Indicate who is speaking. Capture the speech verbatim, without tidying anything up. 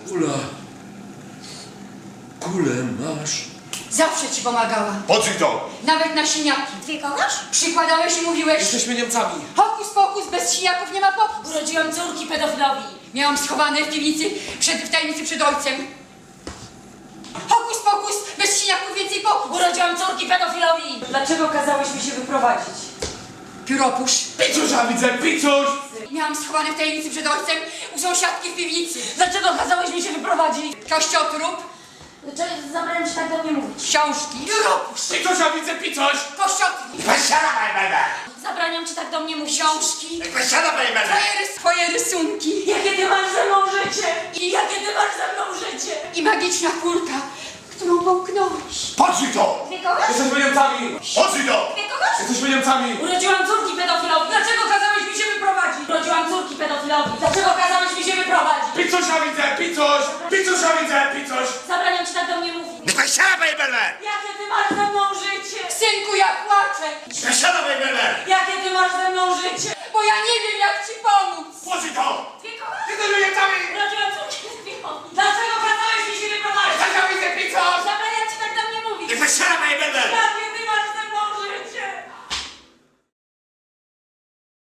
Speaker 1: Ula, kulę masz?
Speaker 2: Zawsze ci pomagała.
Speaker 3: Po co to?
Speaker 2: Nawet na siniaki.
Speaker 4: Ty kochasz?
Speaker 2: Przykładałeś i mówiłeś...
Speaker 1: Jesteśmy Niemcami.
Speaker 2: Hokus pokus, bez siniaków nie ma pokus.
Speaker 4: Urodziłam córki pedofilowi.
Speaker 2: Miałam schowane w piwnicy, przed, w tajemnicy przed ojcem. Hokus pokus, bez siniaków więcej pokus.
Speaker 4: Urodziłam córki pedofilowi. Dlaczego kazałeś mi się wyprowadzić?
Speaker 2: Pióropusz.
Speaker 3: Picusia widzę, picuś!
Speaker 2: Miałam schowane w tajemnicy przed ojcem u sąsiadki w piwnicy.
Speaker 4: Dlaczego kazałeś mi się wyprowadzić?
Speaker 2: Kościotrup,
Speaker 4: Zabrałem ci tak do mnie mówić.
Speaker 2: książki. Pióropusz.
Speaker 3: Picusia widzę, picuś!
Speaker 2: Kościotrup,
Speaker 3: Pasiada, bajbele!
Speaker 4: Zabraniam ci tak do mnie mówić.
Speaker 2: książki.
Speaker 3: Pasiada, bajbele!
Speaker 2: Twoje, rys twoje rysunki.
Speaker 4: Jakie ty masz ze mną życie? I jakie ty masz ze mną życie?
Speaker 2: I magiczna kulka, którą połknąłeś.
Speaker 3: Po co to?
Speaker 4: Ty kochasz?
Speaker 1: Jesteśmy Niemcami.
Speaker 3: Po co to?
Speaker 4: Ty kochasz?
Speaker 1: Jesteśmy Niemcami.
Speaker 4: Urodziłam córki pedofilowi. Dlaczego kazałeś mi się wyprowadzić? Urodziłam córki pedofilowi. Dlaczego kazałeś mi się wyprowadzić?
Speaker 3: Picusia widzę, picuś! Picusia widzę, picuś!
Speaker 4: Zabraniam ci tak do mnie mówić.
Speaker 3: Pasiada, bajbele!
Speaker 4: Jakie ty masz ze mną życie?
Speaker 2: Synku, ja płaczę,
Speaker 3: Pasiada, bajbele!
Speaker 4: Jakie ty masz ze mną życie?
Speaker 2: bo ja nie wiem, jak ci pomóc.
Speaker 3: Po co to?
Speaker 4: Ty kochasz?
Speaker 3: Jesteśmy Niemcami!
Speaker 4: Urodziłam córki pedofilowi. Dlaczego kazałeś mi się wyprowadzić?
Speaker 3: Pasiada widzę, picuś!
Speaker 4: Zabraniam ci tak do mnie mówić.
Speaker 3: Pasiada, bajbele!